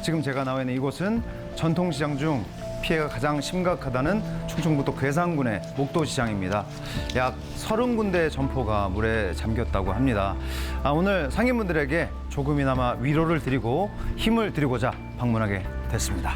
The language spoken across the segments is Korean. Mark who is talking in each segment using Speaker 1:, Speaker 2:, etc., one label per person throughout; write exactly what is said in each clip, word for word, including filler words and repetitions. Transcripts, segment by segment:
Speaker 1: 지금 제가 나와 있는 이곳은 전통시장 중 피해가 가장 심각하다는 충청북도 괴산군의 목도시장입니다. 약 서른 군데의 점포가 물에 잠겼다고 합니다. 아, 오늘 상인분들에게 조금이나마 위로를 드리고 힘을 드리고자 방문하게 됐습니다.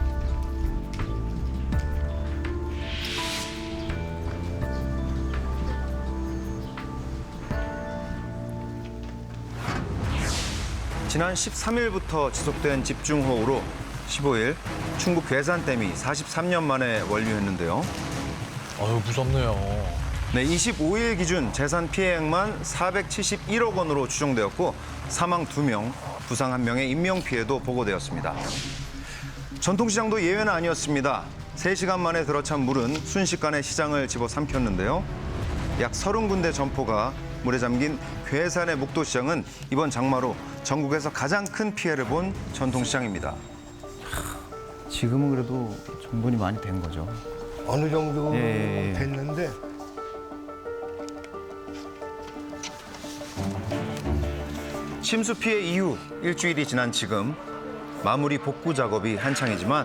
Speaker 1: 지난 십삼 일부터 지속된 집중호우로 십오 일 충북 괴산댐이 사십삼 년 만에 원류했는데요.
Speaker 2: 아유, 무섭네요.
Speaker 1: 네, 이십오 일 기준 재산 피해액만 사백칠십일억 원으로 추정되었고 사망 두 명, 부상 한 명의 인명피해도 보고되었습니다. 전통시장도 예외는 아니었습니다. 세 시간 만에 들어찬 물은 순식간에 시장을 집어삼켰는데요. 약 서른 군데 점포가 물에 잠긴 괴산의 목도시장은 이번 장마로 전국에서 가장 큰 피해를 본 전통시장입니다. 지금은 그래도 정돈이 많이 된 거죠.
Speaker 3: 어느 정도
Speaker 1: 예, 예.
Speaker 3: 됐는데
Speaker 1: 침수 피해 이후 일주일이 지난 지금 마무리 복구 작업이 한창이지만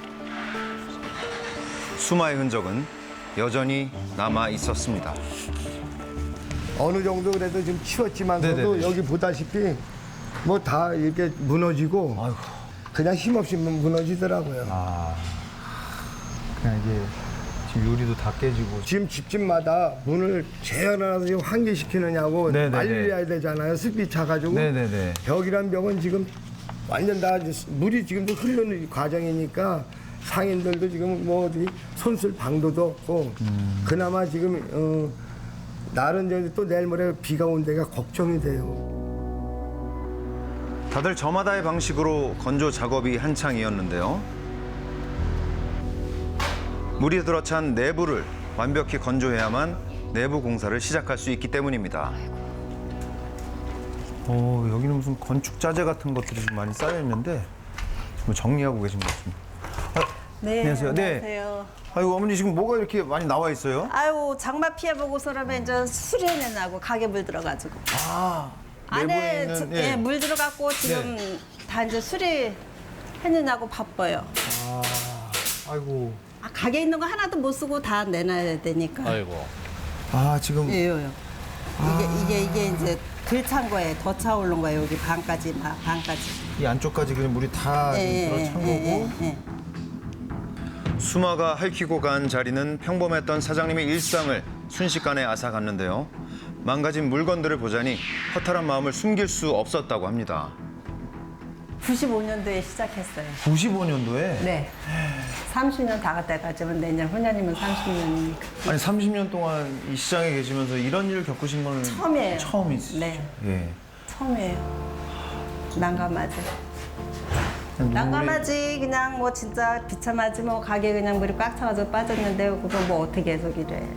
Speaker 1: 수마의 흔적은 여전히 남아 있었습니다.
Speaker 3: 어느 정도 그래도 좀 치웠지만서도
Speaker 1: 네네네.
Speaker 3: 여기 보다시피 뭐 다 이렇게 무너지고
Speaker 1: 아이고.
Speaker 3: 그냥 힘없이 무너지더라고요.
Speaker 1: 아, 그냥 이게 지금 유리도 다 깨지고.
Speaker 3: 지금 집집마다 문을 재현해서 지금 환기시키느냐고
Speaker 1: 네네네.
Speaker 3: 말려야 되잖아요. 습기 차가지고
Speaker 1: 네네네.
Speaker 3: 벽이란 벽은 지금 완전 다 물이 지금도 흐르는 과정이니까 상인들도 지금 뭐 어디 손쓸 방도도 없고
Speaker 1: 음.
Speaker 3: 그나마 지금 어, 날은 저기 또 내일 모레 비가 온 데가 걱정이 돼요.
Speaker 1: 다들 저마다의 방식으로 건조 작업이 한창이었는데요. 물이 들어찬 내부를 완벽히 건조해야만 내부 공사를 시작할 수 있기 때문입니다. 어, 여기는 무슨 건축 자재 같은 것들이 좀 많이 쌓여 있는데 뭐 정리하고 계신 것 같습니다.
Speaker 4: 네,
Speaker 1: 안녕하세요. 네.
Speaker 4: 안녕하세요.
Speaker 1: 아이고 어머니 지금 뭐가 이렇게 많이 나와 있어요?
Speaker 4: 아유, 장마 피해 보고서라면 이제 수리해내려고 가게 물 들어가지고.
Speaker 1: 아, 내부에
Speaker 4: 안에
Speaker 1: 있는,
Speaker 4: 저-
Speaker 1: 예.
Speaker 4: 예, 물 들어갔고 지금 다 이제 수리해내려고 바빠요.
Speaker 1: 아, 아이고.
Speaker 4: 아, 가게 있는 거 하나도 못 쓰고 다 내놔야 되니까.
Speaker 2: 아이고.
Speaker 1: 아 지금
Speaker 4: 예요. 이게 이게 이게 이제 덜 찬 거예요. 더 차오른 거예요. 여기 반까지 막 반까지.
Speaker 1: 이 안쪽까지 그냥 물이 다
Speaker 4: 예,
Speaker 1: 지금 들어찬 거고.
Speaker 4: 예, 예.
Speaker 1: 수마가 핥히고 간 자리는 평범했던 사장님의 일상을 순식간에 앗아갔는데요. 망가진 물건들을 보자니 허탈한 마음을 숨길 수 없었다고 합니다.
Speaker 4: 구십오 년도에 시작했어요.
Speaker 1: 구십오 년도에?
Speaker 4: 네. 삼십 년 다 갔다 가지만 내년 후년이면 삼십 년이니까.
Speaker 1: 아니 삼십 년 동안 이 시장에 계시면서 이런 일을 겪으신 건
Speaker 4: 처음이에요.
Speaker 1: 처음이시죠?
Speaker 4: 네.
Speaker 1: 예.
Speaker 4: 처음이에요. 난감하지. 난감하지. 그냥 뭐 진짜 비참하지. 뭐 가게 그냥 물이 꽉 차가지고 빠졌는데 그거 뭐 어떻게 해서 이래.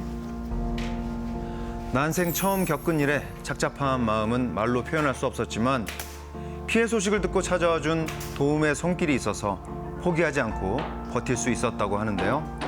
Speaker 1: 난생 처음 겪은 일에 착잡한 마음은 말로 표현할 수 없었지만 피해 소식을 듣고 찾아와 준 도움의 손길이 있어서 포기하지 않고 버틸 수 있었다고 하는데요.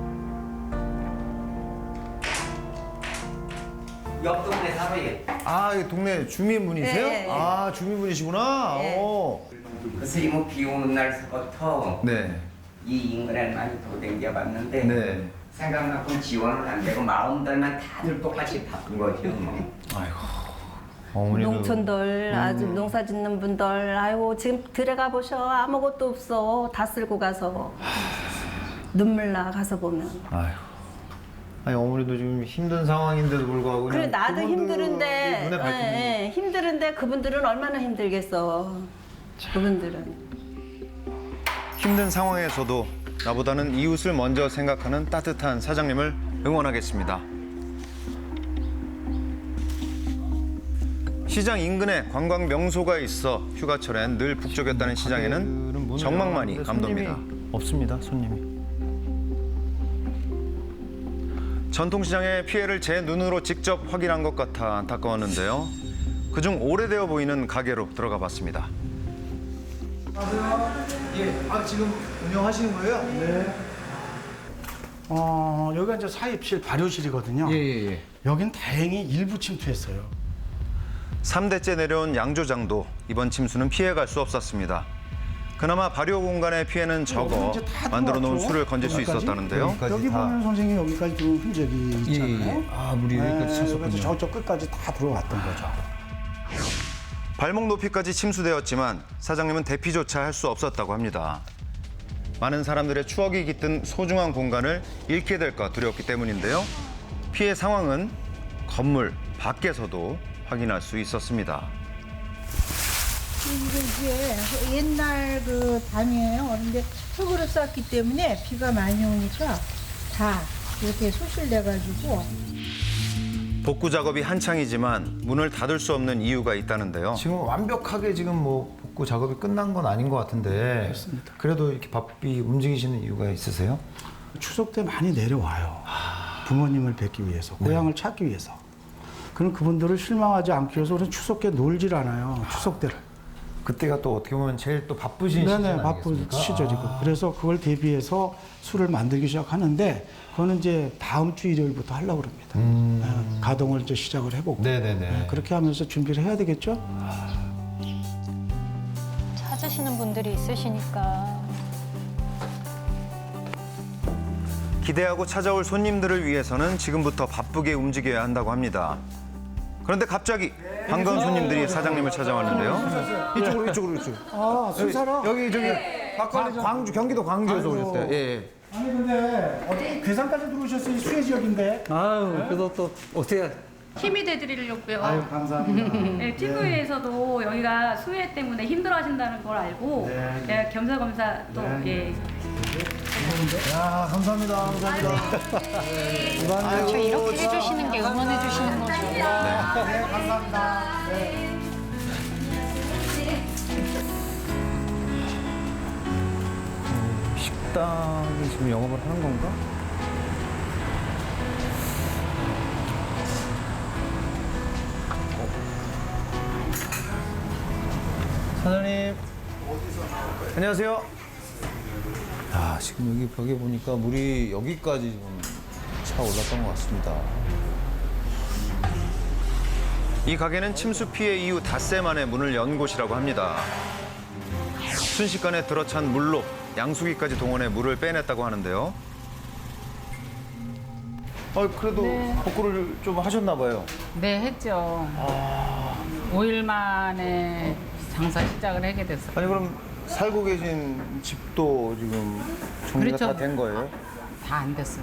Speaker 5: 옆 동네 살아요.
Speaker 1: 아, 이 동네 주민분이세요?
Speaker 4: 네, 네.
Speaker 1: 아, 주민분이시구나.
Speaker 4: 네.
Speaker 1: 오.
Speaker 5: 그래서 이모 비 오는 날서부터
Speaker 1: 네.
Speaker 5: 이 인근에 많이 도댕겨봤는데
Speaker 1: 네.
Speaker 5: 생각만큼 지원을 안 되고 마음들만 다들 똑같이 바쁜 거죠. 뭐.
Speaker 1: 아이고. 어머니도
Speaker 4: 농촌들 아주 농사 짓는 분들 아이고 지금 들어가 보셔 아무것도 없어 다 쓸고 가서 눈물 나 가서 보면.
Speaker 1: 아이고. 아니 어머니도 지금 힘든 상황인데도 불구하고
Speaker 4: 그래
Speaker 1: 그냥
Speaker 4: 나도
Speaker 1: 그분들이
Speaker 4: 힘들은데
Speaker 1: 눈에 밟히는
Speaker 4: 예, 예, 힘들은데 그분들은 얼마나 힘들겠어. 그분들은.
Speaker 1: 힘든 상황에서도 나보다는 이웃을 먼저 생각하는 따뜻한 사장님을 응원하겠습니다. 시장 인근에 관광 명소가 있어 휴가철엔 늘 북적였다는 시장에는 정막만이 감돕니다. 없습니다, 손님이. 전통시장의 피해를 제 눈으로 직접 확인한 것 같아 안타까웠는데요. 그중 오래되어 보이는 가게로 들어가 봤습니다.
Speaker 6: 예, 아 지금 운영하시는 거예요? 네. 어, 여기가 이제 사입실 발효실이거든요.
Speaker 1: 예, 예.
Speaker 6: 여긴 다행히 일부 침투했어요.
Speaker 1: 삼 대째 내려온 양조장도 이번 침수는 피해갈 수 없었습니다. 그나마 발효 공간의 피해는 적어
Speaker 7: 이제 다
Speaker 1: 만들어 놓은
Speaker 7: 들어왔죠?
Speaker 1: 술을 건질 수
Speaker 7: 여기까지?
Speaker 1: 있었다는데요.
Speaker 7: 여기 보면 선생님 여기까지 들어온 흔적이 있잖아요.
Speaker 2: 아, 물이 여기까지
Speaker 7: 네,
Speaker 2: 찼었군요.
Speaker 7: 그래서 저쪽 끝까지 다 들어왔던 거죠.
Speaker 1: 발목 높이까지 침수되었지만 사장님은 대피조차 할 수 없었다고 합니다. 많은 사람들의 추억이 깃든 소중한 공간을 잃게 될까 두려웠기 때문인데요. 피해 상황은 건물 밖에서도 확인할 수 있었습니다.
Speaker 8: 이게 옛날 그 담이에요. 그런데 흙으로 쌓기 때문에 비가 많이 오니까 다 이렇게 소실돼가지고
Speaker 1: 복구 작업이 한창이지만 문을 닫을 수 없는 이유가 있다는데요.
Speaker 9: 지금 완벽하게 지금 뭐 복구 작업이 끝난 건 아닌 것 같은데
Speaker 7: 그렇습니다.
Speaker 9: 그래도 이렇게 바삐 움직이시는 이유가 있으세요?
Speaker 7: 추석 때 많이 내려와요. 부모님을 뵙기 위해서, 고향을 찾기 위해서. 그럼 그분들을 실망하지 않기 위해서 우리는 추석 때 놀질 않아요. 추석 때를.
Speaker 9: 그때가 또 어떻게 보면 제일 또 바쁘신 시즌
Speaker 7: 네네,
Speaker 9: 아니겠습니까?
Speaker 7: 바쁜 시절이고. 그래서 그걸 대비해서 술을 만들기 시작하는데 그거는 이제 다음 주 일요일부터 하려고 합니다. 네, 가동을 이제 시작을 해보고.
Speaker 9: 네네네.
Speaker 7: 네, 그렇게 하면서 준비를 해야 되겠죠?
Speaker 10: 찾으시는 분들이 있으시니까.
Speaker 1: 기대하고 찾아올 손님들을 위해서는 지금부터 바쁘게 움직여야 한다고 합니다. 그런데 갑자기 반가운 손님들이 사장님을 찾아왔는데요.
Speaker 9: 이쪽으로 이쪽으로 이쪽.
Speaker 7: 아, 순사라?
Speaker 9: 여기 저기 과- 광주 경기도 광주에서
Speaker 7: 아이고.
Speaker 9: 오셨대요. 예, 예.
Speaker 7: 아니 근데 어떻게 괴산까지 들어오셨어요? 수해 지역인데.
Speaker 2: 아유, 그래도 또 어떻게
Speaker 11: 힘이 돼드리려고요.
Speaker 7: 아유 감사합니다.
Speaker 11: 네, 티비에서도 여기가 수해 때문에 힘들어하신다는 걸 알고
Speaker 7: 네.
Speaker 11: 예, 겸사겸사 또 예.
Speaker 9: 야, 감사합니다. 감사합니다.
Speaker 10: 저 이렇게 해주시는 게 응원해주시는 거죠.
Speaker 9: 식당이 지금 영업을 하는 건가? 사장님. 안녕하세요. 아, 지금 여기 벽에 보니까 물이 여기까지 좀 차 올랐던 것 같습니다.
Speaker 1: 이 가게는 침수 피해 이후 닷새 만에 문을 연 곳이라고 합니다. 순식간에 들어찬 물로 양수기까지 동원해 물을 빼냈다고 하는데요.
Speaker 9: 아, 그래도 복구를 좀 하셨나 봐요.
Speaker 12: 네, 했죠. 오 일 만에 장사 시작을 하게 됐어요.
Speaker 9: 아니 그럼 살고 계신 집도 지금 정리가
Speaker 12: 그렇죠.
Speaker 9: 다 된 거예요?
Speaker 12: 다 안 됐어요.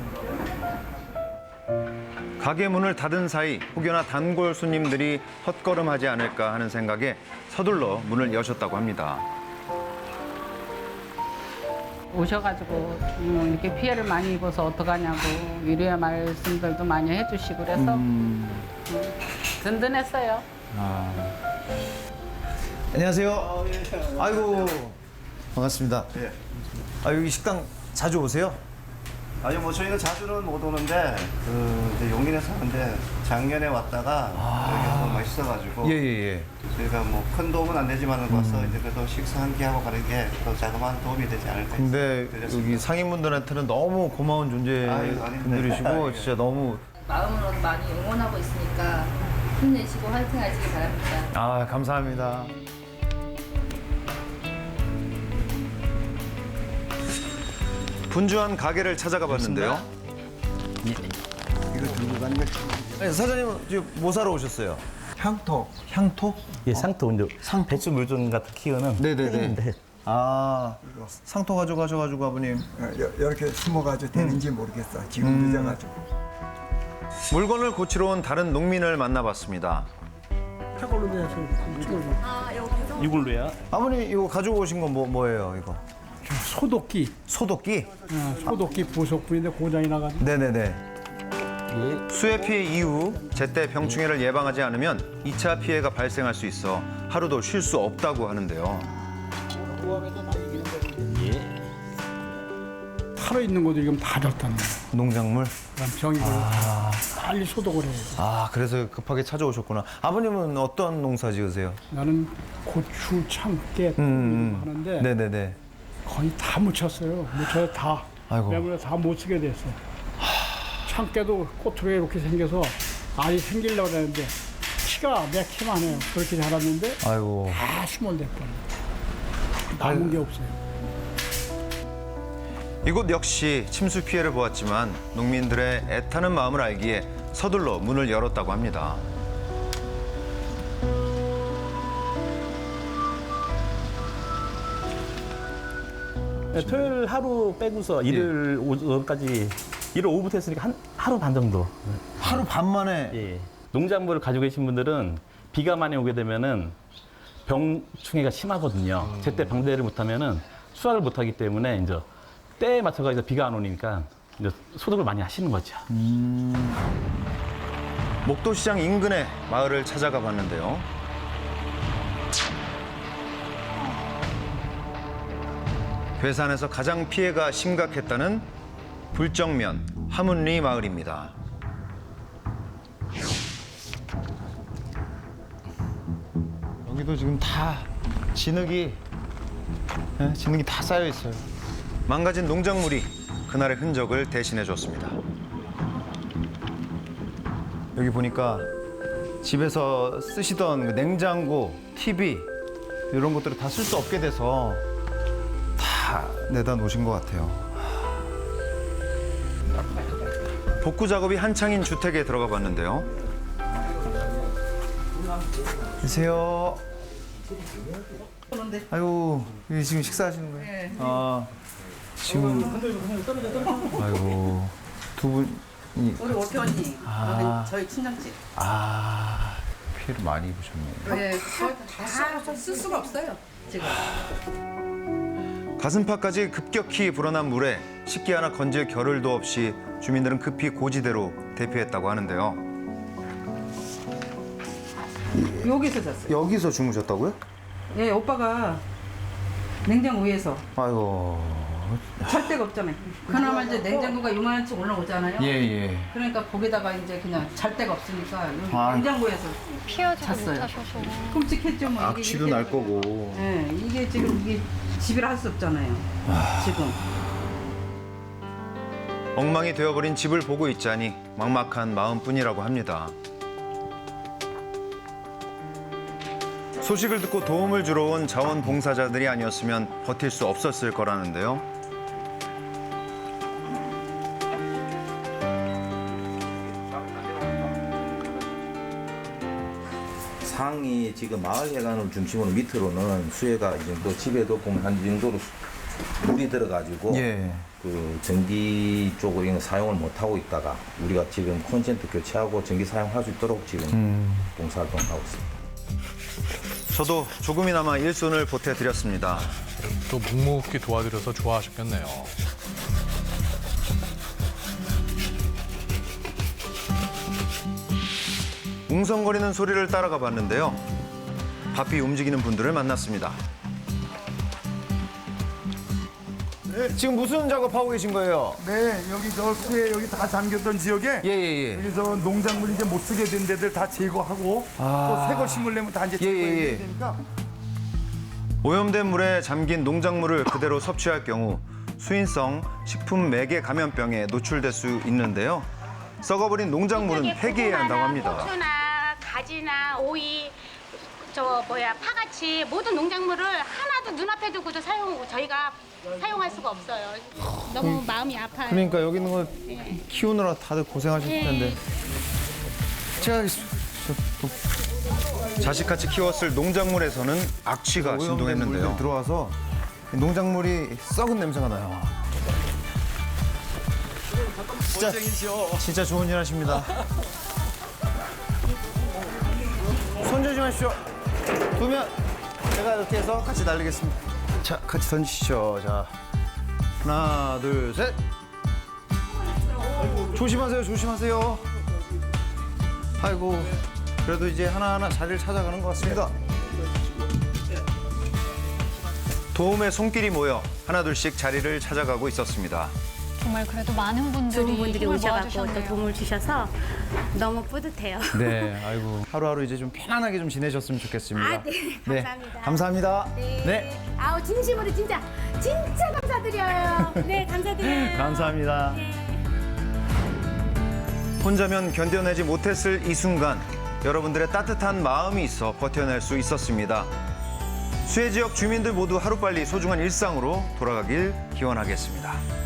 Speaker 1: 가게 문을 닫은 사이 혹여나 단골 손님들이 헛걸음하지 않을까 하는 생각에 서둘러 문을 여셨다고 합니다.
Speaker 12: 오셔가지고 음, 이렇게 피해를 많이 입어서 어떡하냐고 위로의 말씀들도 많이 해주시고 그래서 음, 든든했어요.
Speaker 9: 안녕하세요. 아이고 반갑습니다. 아 여기 식당 자주 오세요?
Speaker 13: 아니 뭐 저희는 자주는 못 오는데 그 이제 용인에 사는데 작년에 왔다가 여기 너무 맛있어가지고
Speaker 9: 예예예.
Speaker 13: 저희가 뭐 큰 도움은 안 되지만 와서 이제 그래도 식사 한 끼 하고 가는 게 또 자그마한 도움이 되지 않을까.
Speaker 9: 근데
Speaker 13: 드렸습니다.
Speaker 9: 여기 상인분들한테는 너무 고마운
Speaker 13: 아유, 아닙니다.
Speaker 9: 존재분들이시고
Speaker 13: 아유.
Speaker 9: 진짜 너무
Speaker 11: 마음으로 많이 응원하고 있으니까 힘내시고 화이팅 하시기 바랍니다.
Speaker 9: 아 감사합니다.
Speaker 1: 분주한 가게를 찾아가 봤는데요.
Speaker 3: 이거 들고 가는 게
Speaker 9: 아니, 사장님은 지금 뭐 사러 오셨어요?
Speaker 3: 향토.
Speaker 9: 향토?
Speaker 14: 예, 상토 이제
Speaker 9: 상토?
Speaker 14: 배추 물종 같은 키우는
Speaker 9: 네네네.
Speaker 14: 네.
Speaker 9: 아 상토 가져가셔가지고 아버님.
Speaker 3: 이렇게 숨어가지고 되는지 모르겠어. 지금 늦어가지고.
Speaker 1: 물건을 고치러 온 다른 농민을 만나봤습니다.
Speaker 3: 저걸로 내서 찍어줘.
Speaker 14: 이걸로야.
Speaker 9: 아버님 이거 가지고 오신 건 뭐 뭐예요 이거?
Speaker 7: 소독기.
Speaker 9: 소독기?
Speaker 7: 어, 소독기 부속품인데 고장이 나가지고.
Speaker 9: 네네네.
Speaker 1: 수해 피해 이후 제때 병충해를 예방하지 않으면 이 차 피해가 발생할 수 있어 하루도 쉴 수 없다고 하는데요.
Speaker 7: 타러 있는 것도 지금 다 졌다는 거예요.
Speaker 9: 농작물?
Speaker 7: 그럼 병이 걸려 빨리 소독을 해야 돼.
Speaker 9: 아 그래서 급하게 찾아오셨구나. 아버님은 어떤 농사 지으세요?
Speaker 7: 나는 고추, 참깨
Speaker 9: 음,
Speaker 7: 하는데
Speaker 9: 네네네.
Speaker 7: 거의 다 묻혔어요. 묻혀서 다.
Speaker 9: 아이고.
Speaker 7: 때문에 다 못 쓰게 됐어. 참깨도 꽃으로 이렇게 생겨서 알이 생기려고 했는데 키가 몇 키만 해요. 그렇게 자랐는데
Speaker 9: 아이고.
Speaker 7: 다 스몰됐거든.
Speaker 3: 남은 게 없어요.
Speaker 1: 이곳 역시 침수 피해를 보았지만 농민들의 애타는 마음을 알기에 서둘러 문을 열었다고 합니다.
Speaker 14: 네, 토요일 하루 빼고서 일요일 오전까지 일요일 오후부터 했으니까 한 하루 반 정도.
Speaker 9: 하루 반 만에.
Speaker 14: 예. 농작물을 가지고 계신 분들은 비가 많이 오게 되면은 병충해가 심하거든요. 제때 방대를 못하면은 수확을 못하기 때문에 이제 때에 맞춰서 이제 비가 안 오니까 이제 소득을 많이 하시는 거죠.
Speaker 1: 목도시장 인근의 마을을 찾아가 봤는데요. 괴산에서 가장 피해가 심각했다는 불정면 하문리 마을입니다.
Speaker 9: 여기도 지금 다 진흙이, 예, 진흙이 다 쌓여 있어요.
Speaker 1: 망가진 농작물이 그날의 흔적을 대신해줬습니다.
Speaker 9: 여기 보니까 집에서 쓰시던 그 냉장고, 티비 이런 것들을 다 쓸 수 없게 돼서 다 내다 놓으신 것 같아요.
Speaker 1: 복구 작업이 한창인 주택에 들어가 봤는데요.
Speaker 9: 계세요. 아이고, 여기 지금 식사하시는 거예요?
Speaker 12: 네.
Speaker 9: 아, 지금 아이고 두 분이
Speaker 12: 우리 오태 언니,
Speaker 9: 아.
Speaker 12: 여기 저희 친정집.
Speaker 9: 아, 피해를 많이 입으셨네요.
Speaker 12: 네, 다쓸 수가 없어요 지금.
Speaker 1: 가슴팍까지 급격히 불어난 물에 식기 하나 건질 겨를도 없이 주민들은 급히 고지대로 대피했다고 하는데요.
Speaker 12: 여기서 잤어요.
Speaker 9: 여기서 주무셨다고요?
Speaker 12: 예, 오빠가 냉장고 위에서
Speaker 9: 아이고.
Speaker 12: 잘 데가 없잖아요. 그나마 이제 냉장고가 요만치 올라오잖아요.
Speaker 9: 예, 예.
Speaker 12: 그러니까 거기다가 이제 그냥 잘 데가 없으니까 여기
Speaker 9: 아.
Speaker 12: 냉장고에서
Speaker 10: 피하지
Speaker 12: 잤어요.
Speaker 10: 못하셔서.
Speaker 12: 끔찍했죠, 뭐. 이게
Speaker 9: 악취도
Speaker 12: 이렇게
Speaker 9: 날
Speaker 12: 되고.
Speaker 9: 거고.
Speaker 12: 예, 이게 지금 이게 집이라 할 수 없잖아요. 지금.
Speaker 1: 엉망이 되어버린 집을 보고 있자니 막막한 마음뿐이라고 합니다. 소식을 듣고 도움을 주러 온 자원봉사자들이 아니었으면 버틸 수 없었을 거라는데요.
Speaker 15: 상이 지금 마을 해관을 중심으로 밑으로는 수해가 이 정도 집에도 보면 한 이 정도로 물이 들어가지고
Speaker 9: 예.
Speaker 15: 그 전기 쪽으로 사용을 못 하고 있다가 우리가 지금 콘센트 교체하고 전기 사용할 수 있도록 지금
Speaker 9: 음.
Speaker 15: 봉사활동을 하고 있습니다.
Speaker 1: 저도 조금이나마 일손을 보태드렸습니다.
Speaker 16: 또 묵묵히 도와드려서 좋아하셨겠네요.
Speaker 1: 웅성거리는 소리를 따라가 봤는데요. 바삐 움직이는 분들을 만났습니다.
Speaker 9: 네, 지금 무슨 작업하고 계신 거예요?
Speaker 3: 네, 여기 저 수해 여기 다 잠겼던 지역에
Speaker 9: 예, 예, 예.
Speaker 3: 여기서 농작물 이제 못 쓰게 된 데들 다 제거하고
Speaker 1: 아.
Speaker 3: 또 새 거 심으려면 다 이제
Speaker 1: 예,
Speaker 3: 제거해야
Speaker 1: 예, 예.
Speaker 3: 되니까
Speaker 1: 오염된 물에 잠긴 농작물을 그대로 섭취할 경우 수인성 식품 매개 감염병에 노출될 수 있는데요. 썩어버린 농작물은 폐기해야 한다고 합니다.
Speaker 10: 고추나 가지나 오이, 저 뭐야 파같이 모든 농작물을 하나도 눈앞에 두고도 사용 저희가 사용할 수가 없어요. 너무 마음이 아파요.
Speaker 9: 그러니까 여기 있는 거
Speaker 10: 네.
Speaker 9: 키우느라 다들 고생하실
Speaker 10: 네.
Speaker 9: 텐데. 제가
Speaker 1: 자식같이 키웠을 농작물에서는 악취가
Speaker 9: 오염된
Speaker 1: 진동했는데요.
Speaker 9: 물들이 들어와서 농작물이 썩은 냄새가 나요. 진짜 진짜 좋은 일 하십니다. 손 조심하십시오. 두면 제가 이렇게 해서 같이 날리겠습니다. 자, 같이 던지시죠. 자, 하나, 둘, 셋. 조심하세요, 조심하세요. 아이고, 그래도 이제 하나하나 자리를 찾아가는 것 같습니다.
Speaker 1: 도움의 손길이 모여 하나둘씩 자리를 찾아가고 있었습니다.
Speaker 10: 정말 그래도 많은 분들이,
Speaker 17: 좋은 분들이
Speaker 10: 힘을
Speaker 17: 오셔갖고 또
Speaker 10: 모아주셨네요.
Speaker 17: 도움을 주셔서 너무 뿌듯해요.
Speaker 9: 네, 아이고 하루하루 이제 좀 편안하게 좀 지내셨으면 좋겠습니다.
Speaker 17: 아, 네, 감사합니다.
Speaker 9: 감사합니다.
Speaker 17: 네.
Speaker 9: 네.
Speaker 17: 아우 진심으로 진짜 진짜 감사드려요. 네, 감사드려요.
Speaker 9: 감사합니다.
Speaker 17: 네.
Speaker 1: 혼자면 견뎌내지 못했을 이 순간 여러분들의 따뜻한 마음이 있어 버텨낼 수 있었습니다. 수해 지역 주민들 모두 하루빨리 소중한 일상으로 돌아가길 기원하겠습니다.